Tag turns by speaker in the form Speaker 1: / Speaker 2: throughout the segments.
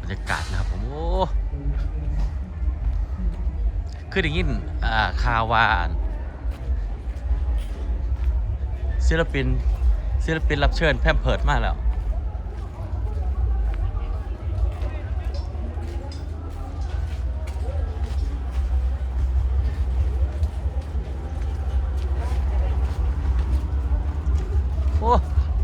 Speaker 1: รรยากาศนะครับผมโอ้คือได้ยินข่าวว่าศิลปินรับเชิญแพมเพิร์ดมาแล้วโอ้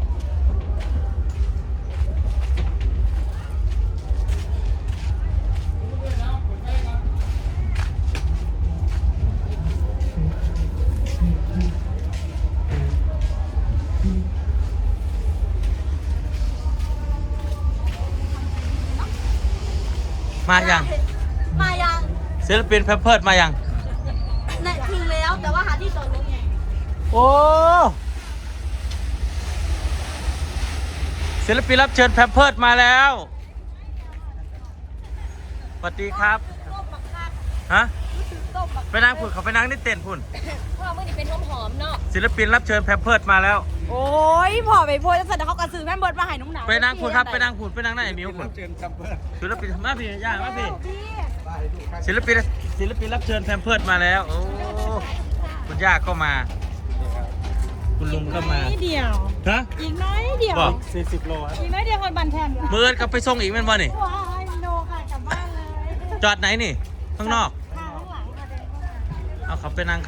Speaker 1: มายังศิลปินแพมเพิร์ดมายัง
Speaker 2: เนี่ยถึงแล้วแต่ว่าหาที่จอดรถไง
Speaker 1: โอ้ศิลปินรับเชิญแพมเพิร์ดมาแล้วสวัสดีครับฮะไปนั่งพุ่นเขาไปนั่งนี่เต้นพุ่น
Speaker 2: พ่อเมื่อนี้เป็นหอมเนาะ
Speaker 1: ศิลปินรับเชิญแพมเพิร์ดมาแล้ว
Speaker 2: โอ้ยพ่อไปโพสจะเสร็จแล้วเขากระสือแม่เบิร์ดมาให้นุ่งหนา
Speaker 1: ไปนั่งพุ่นครับไปนั่งพุ่นไปนั่งนั่นไอ้มิวพุ่นศิลปินมาพี่ย่ามาพี่ศิลปินรับเชิญแพมเพิร์ดมาแล้วโอ้คุณย่าก็มาคุณลุงก็มา
Speaker 2: เดียว
Speaker 1: ฮะ
Speaker 2: อีกน้อยเดียว
Speaker 1: 40 โล
Speaker 2: อีกน้อยเดียวคนบันแทน
Speaker 1: เมื่อก็ไปส่งอีกแม่นบ่นี่
Speaker 2: ว้ายโนค่ะกลับบ้านเลย
Speaker 1: จอดไหนนี่ข้างนอก
Speaker 2: ข้างหลังค่ะเดินเข้ามา
Speaker 1: เอาขับไปนั่ง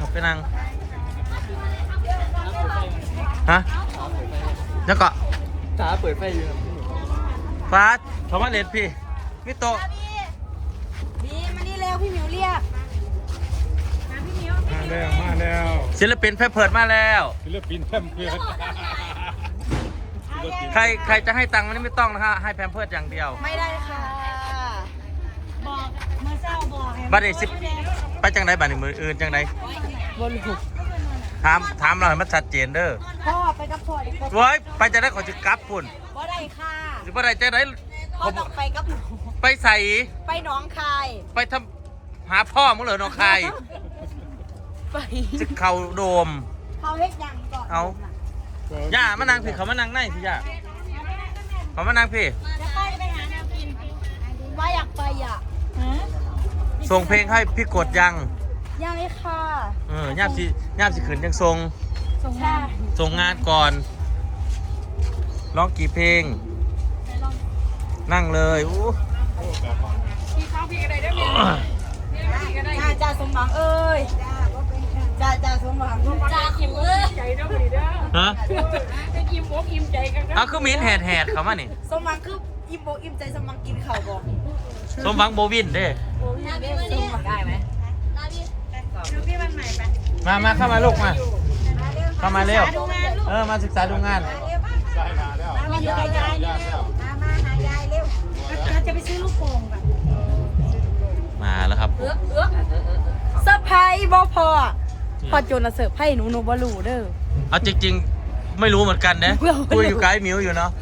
Speaker 1: ฮะแล้วก็
Speaker 3: จ๋าเปิดไฟอยู่
Speaker 1: ฟ้าเขามาเล่นพี่มิโตะ
Speaker 2: บีมานี่เร็วพี่หมิวเรียกมาพี่หมิว
Speaker 3: มาแล้ว
Speaker 1: ศิลปินแพมเพิร์ดมาแล้ว
Speaker 3: ศิลปินแพมเพิร์ด
Speaker 1: ใครจะให้ตังค์มันไม่ต้องนะฮะให้แพมเพิร์ดอย่างเดียว
Speaker 2: ไม่ได้ค่ะบอกเมื่อเช้าบอก
Speaker 1: บัดนี้ไปจังไดบัดนี้มืออื่นจังได
Speaker 2: บนหุบ
Speaker 1: ถามเราให้มันชัดเจนเด้อ
Speaker 2: พ่อไปกับพ่อดิ
Speaker 1: โว้ยไปจะได้ขอจะกลับปุ่น
Speaker 2: บ่ได้ค่ะ
Speaker 1: หรือบ่ได้จะได้
Speaker 2: พ่อต้องไปกับหนู
Speaker 1: ไปใส่
Speaker 2: ไปหนองคาย
Speaker 1: ไปทำหาพ่อมึงเหรอน้องคาย
Speaker 2: ไป
Speaker 1: จะเข่าโดม
Speaker 2: เขาเฮ็ดยังก่อน
Speaker 1: เอาย่ามานั่งพี่เขามานั่งในพี่ย่าเขามานั่งพี่
Speaker 2: จะไปหาแนวกินว่าอยากไปอ่ะ
Speaker 1: ส่งเพลงให้พี่กดยัง
Speaker 2: เลยค่ะ
Speaker 1: ย่ามสิขืนยังส่งงานก่อนร้องกี่เพลงนั่งเลยอู้
Speaker 2: พี่เข้าพี่ก็ได้ด้วยมั้ยจ่าสมหวังเอ้ยจ่าสมหวังจ่าขิมเอ้ยใจเด้อพี่เด้อ
Speaker 1: ฮะ
Speaker 2: จะอิ่มอกอิ่มใจกัน
Speaker 1: เอาคือมิ้นแหดเขามานี่
Speaker 2: สมหวังคืออิ่มอกอิ่มใจสมหวังกินข้าวบ่
Speaker 1: สมหวังโบวินเด้
Speaker 2: ได้ไหมพี่วันใหม่ไป
Speaker 1: มาเข้ามาลูกมาเข้ามาเร็วมาศึกษาดูงาน
Speaker 2: มาอยู่กับยายเร็วมาหายายเร็วจะไปซื้อลูกโป่งก่อน
Speaker 1: มาแล้วครับ
Speaker 2: เซอร์ไพรส์บ่พอโจนเสิร์ฟให้หนูบ่รู้เด้อ
Speaker 1: เอาจริงๆไม่รู้เหมือนกันนะคุยอยู่กับไอ้มิวอยู่เนาะ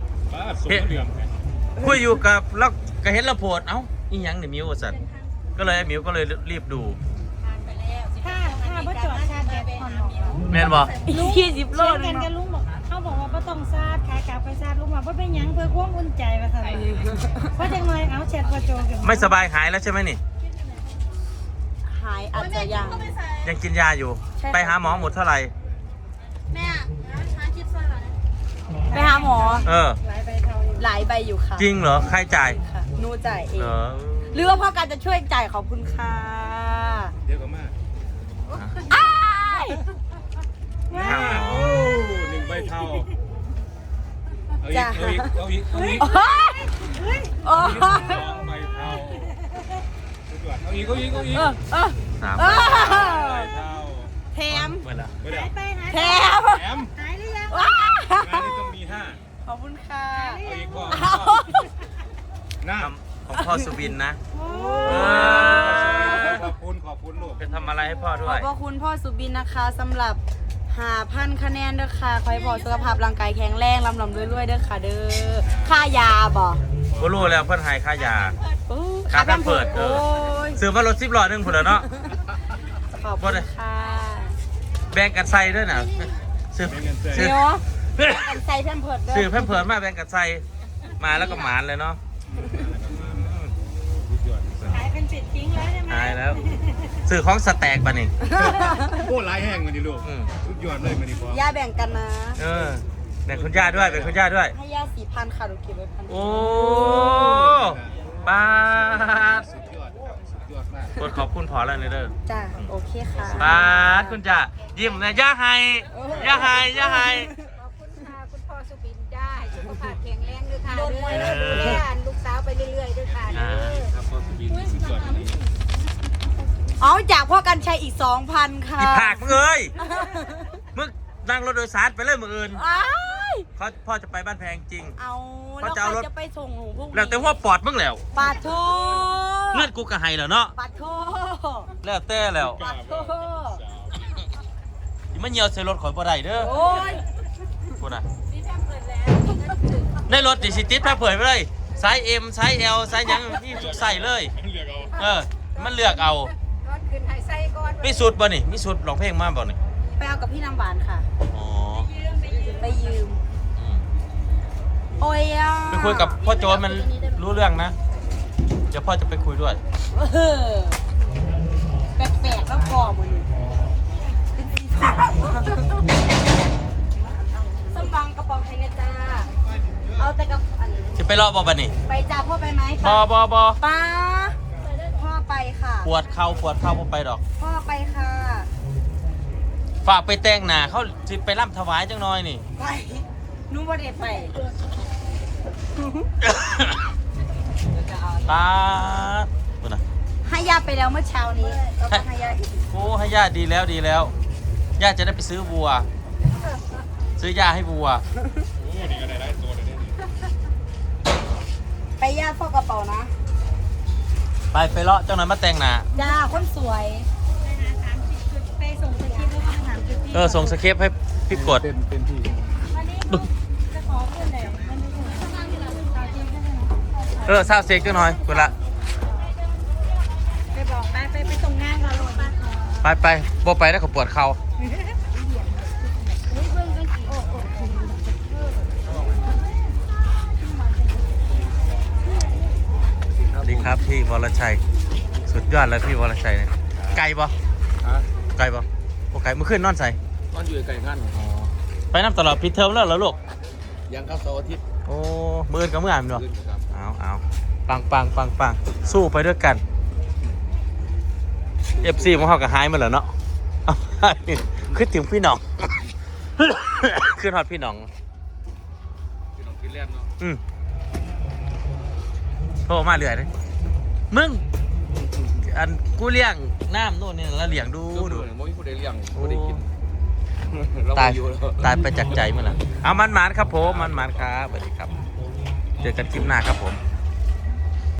Speaker 1: คุยอยู่กับแล้วก็เห็นระโพดเอ้าอีหยังเนี่ยมิวสัตว์ก็เลยไอ้มิวก็เลยรีบดู
Speaker 2: ถ้าบ่จอดชาร์จแบตผ่อน
Speaker 1: แม่นบ่
Speaker 2: 20 โลกันกับลุงบอกเขาบอกว่าบ่ต้องชาร์จขากลับไปชาร์จลุงว่าบ่เป็นหยังเพื่อความอุ่นใจว่าซั่นเพราะจังได๋เอาแชทบ่โจกัน
Speaker 1: ไม่สบายหายแล้วใช่ไหมนี่
Speaker 2: หายอาจจะ
Speaker 1: ยังกินยาอยู่ไปหาหมอหมดเท่าไหร่
Speaker 2: แม่หาคิดซอยบ่ไปหาหมอหลายใบอยู่ค่ะ
Speaker 1: จริงเหรอใครจ่าย
Speaker 2: หนูจ่ายเองหรือว่าพ่อการจะช่วยจ่ายขอบคุณค่ะ
Speaker 3: เดี๋ยวก็มา1 ใบเท่าเอาอีก2 ใบเท่าเอาอีก3 ใบเท่า
Speaker 2: แถม
Speaker 3: แถม
Speaker 2: หายหรือยัง
Speaker 3: งานนี้ต้องมี5
Speaker 2: ขอบคุณค่ะ
Speaker 3: เอาอีกพ่อน้
Speaker 1: ำของพ่อสุบินนะ
Speaker 3: ขอบคุณลูก
Speaker 1: จะทำอะไรให้พ่อด้วย
Speaker 2: ขอบคุณพ่อสุบินนะคะสำหรับ5,000 คะแนนเด้อค่ะขอให้พ่อสุขภาพร่างกายแข็งแรงลำรวยๆเด้อค่ะเด้อค่ายาบ่
Speaker 1: รู้แล้วเพื่อนให้ค่ายา
Speaker 2: ค่าแพมเพิร์ส
Speaker 1: ซื้อมารถ10 ล้อนึงพุ่นแล้วเนาะ
Speaker 2: ขอบคุณค่ะ
Speaker 1: แบ่งกันใส่ด้วยนะซื้อ
Speaker 2: กันใส่แพมเพิร์ส
Speaker 1: ซื้อแพมเพิร์สมาแบ่งกันใส่มาแล้วก็หมานเลยเนาะ
Speaker 2: เป็นสิทธิ์ทิ้งแล้วใช่ไหม
Speaker 1: หายแล้วสื่อของสแต็กป่ะนี่
Speaker 3: โอ้ลายแห้งมันดิลูกสุดยอดเลยมันนี่พอย่
Speaker 2: าแบ่งกันนะ
Speaker 1: แบ่งคุณย่าด้วยเป็นคุณย่าด้วย
Speaker 2: ให้ย่า4,000ค่ะหนูเก็บไว้1,000
Speaker 1: โอ้ป้าด
Speaker 3: สุดยอดครับสุดยอดมาก
Speaker 1: กดขอบคุณพอแล้วเด้อ
Speaker 2: จ้าโอเคค่ะ
Speaker 1: ป้าดคุณจ่ายิ้มนะย่าไฮย่าไฮย่าไฮ
Speaker 4: ขอบคุณค่ะคุณพ่อสุบินได้สุขภาพแข็งแรงด้วยค่ะเด้อดูแลลูกสาวไปเรื่อยๆด้วยค่ะเด้อ
Speaker 3: ครับพ่อสุบินสุดยอดนี่
Speaker 2: เอาจากพ่อกันชัยอีก 2,000 ค่ะ
Speaker 1: อีผากมึงเอ้ยมึงนั่งรถโดยสารไปเลยมึงอื่น
Speaker 2: อ้าย
Speaker 1: พ่อจะไปบ้านแพงจริง
Speaker 2: เอา
Speaker 1: เขา
Speaker 2: แล้ว
Speaker 1: จะ
Speaker 2: ใค
Speaker 1: เอา
Speaker 2: ร
Speaker 1: รถ
Speaker 2: จะไปส่งหนูพวกนี้
Speaker 1: แล้วแต่ว่าปอดมึงแล้ว
Speaker 2: ปาโท
Speaker 1: เลือดกูกระไฮแล้วเนาะ
Speaker 2: ปาโท
Speaker 1: แล้วแต่แล้ว
Speaker 2: ปาโท
Speaker 1: อย่ามาเหี่ยวใส่รถข่อยบ่ได้เด้อ
Speaker 2: โอ้ย
Speaker 1: พูดนะในรถดิสิติดแพร่เผยไปเลยไซส์ M ไซส์ L ไซส์หยังนี่ทุกไซส์เลย
Speaker 3: เรียกเอา
Speaker 1: มันเลือกเอา
Speaker 4: ก่อนขึ้นไฮไซก่อน
Speaker 1: มีสุดบ่นี่มีสุดร้องเพลงมาบ่นี่
Speaker 2: ไปเอากับพี่น้ำหวานค่ะ
Speaker 1: อ๋อ
Speaker 2: ไปยืม
Speaker 1: อืม
Speaker 2: โอ้ยอ่ะ
Speaker 1: ไปคุยกับพ่อโจนมันรู้เรื่องนะ เดี๋ยวพ่อจะไปคุยด้วย
Speaker 2: เออแปลกๆแล้วพอมือส้มบังกระป๋องไทยนะจ้าเอาแต่กับอัน
Speaker 1: จะไปรอบบ่นี่
Speaker 2: ไปจ้าพ่อไปไหม
Speaker 1: บ่
Speaker 2: ป้าพ่อไปค่ะ
Speaker 1: ปวดเข่าบ่ไปดอก
Speaker 2: พ่อไปค่ะ
Speaker 1: ฝากไปแต่งหน้าเขาสิไปร่ำถวายจังน้อยนี่
Speaker 2: ไปนู้นว่าเด็ดไป
Speaker 1: ตาพูดนะ
Speaker 2: ให้ยาไปแล้วเมื่อเช้านี้แล้วก็ให้ยาอีก
Speaker 1: โอ้ให้ญาติดีแล้วญาติจะได้ไปซื้อวัว ซื้อยาให้วัว
Speaker 3: โอ้นี่ก็ได้ตัวเลยนี่
Speaker 2: ไปยาฟอกกระเป๋านะ
Speaker 1: ไปเลาะจังหน่อยมาแต่งหน้า
Speaker 2: จ้าคนสวยไปส่งสคริปต์แล้วก็ถามจุดที่
Speaker 1: ส่งสคริปต์ให้พี่กด
Speaker 3: เป็นที่
Speaker 2: วันนี้จะขอเพื่อนไหนมันไม่ถูกทำงานที่เราสาวจริงใช่ไหม
Speaker 1: ซาวเซ็กจังหน่อยกูละ
Speaker 2: ไปบอกไปส่งงานก่อนลงมา
Speaker 1: ไปบ่ไปแล้วก็ปวดเข่าสวัสดีครับพี่วรชัย สุดยอดเลยพี่วรชัยเนี่ยไกลปะ
Speaker 3: ฮะ
Speaker 1: ไกลปะโอ้ไกลเมื่อคืนนอนใส่
Speaker 3: ตอนอยู่ไก่ขั้น
Speaker 1: ไปน้ำตลอดพิดเทอมแล้วเหรอลูก
Speaker 3: ยังเข้าเสาร์อาทิตย์
Speaker 1: โอ้มือนกับมืออ่านเนาะ
Speaker 3: ขึ้นครับ
Speaker 1: เอาปังสู้ไปด้วยกัน FC ของเขาก็หายมาแล้วเนาะเอาขึ้นถึงพี่น้อง ขึ้นฮอดพี่น้อง
Speaker 3: พี่น้องกินแล่นเนาะ
Speaker 1: โทรมาเรื่อยเลยมึง อันกูเลี้ยงน้ำโน่นนี่แล้วเลี้ยงดู
Speaker 3: ดู
Speaker 1: ดู
Speaker 3: ไม่มีผู้ใดเลี้ยงผู้ใดกินเรา
Speaker 1: ตาย
Speaker 3: อยู่แล้ว
Speaker 1: ตายไปจากใจมึงละเอามันหมานครับผมมันหมานครับสวัสดีครับ เจอกันคลิปหน้าครับผม